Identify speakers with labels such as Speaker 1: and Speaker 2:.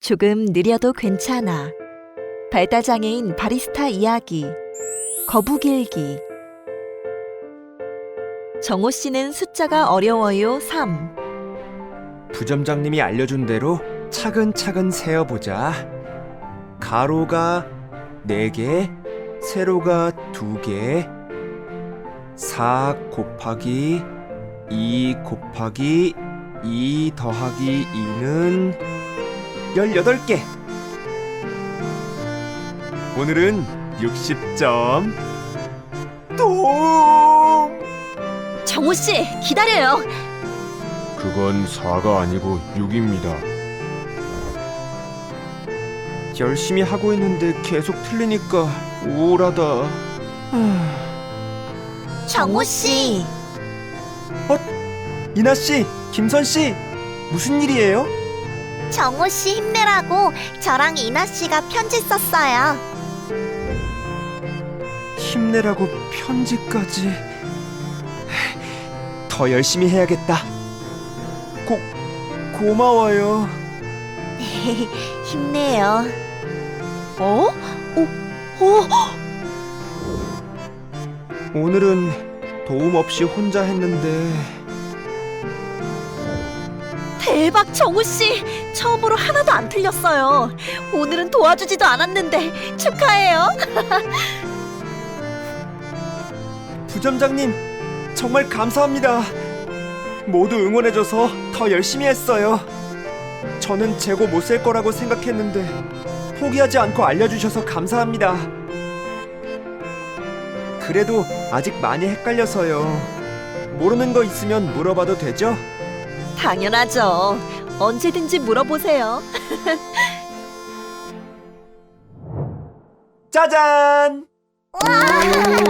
Speaker 1: 조금 느려도 괜찮아. 발달장애인 바리스타 이야기. 거북일기. 정호 씨는 숫자가 어려워요 3.
Speaker 2: 부점장님이 알려준 대로 차근차근 세어보자. 가로가 4개, 세로가 2개, 4 곱하기 2 곱하기 2 더하기 2는 18개. 오늘은 60점. 똥!
Speaker 1: 정호 씨, 기다려요.
Speaker 3: 그건 4가 아니고 6입니다.
Speaker 2: 열심히 하고 있는데 계속 틀리니까 우울하다.
Speaker 1: 정호 씨.
Speaker 2: 이나 씨, 김선 씨, 무슨 일이에요?
Speaker 4: 정호 씨 힘내라고 저랑 이나 씨가 편지 썼어요.
Speaker 2: 힘내라고 편지까지. 더 열심히 해야겠다. 고마워요.
Speaker 4: 힘내요.
Speaker 1: 어?
Speaker 2: 오늘은 도움 없이 혼자 했는데
Speaker 1: 대박 정호 씨. 처음으로 하나도 안 틀렸어요. 오늘은 도와주지도 않았는데 축하해요.
Speaker 2: 부점장님 정말 감사합니다. 모두 응원해줘서 더 열심히 했어요. 저는 재고 못 쓸 거라고 생각했는데 포기하지 않고 알려주셔서 감사합니다. 그래도 아직 많이 헷갈려서요. 모르는 거 있으면 물어봐도 되죠?
Speaker 1: 당연하죠. 언제든지 물어보세요.
Speaker 2: 짜잔!
Speaker 4: 와!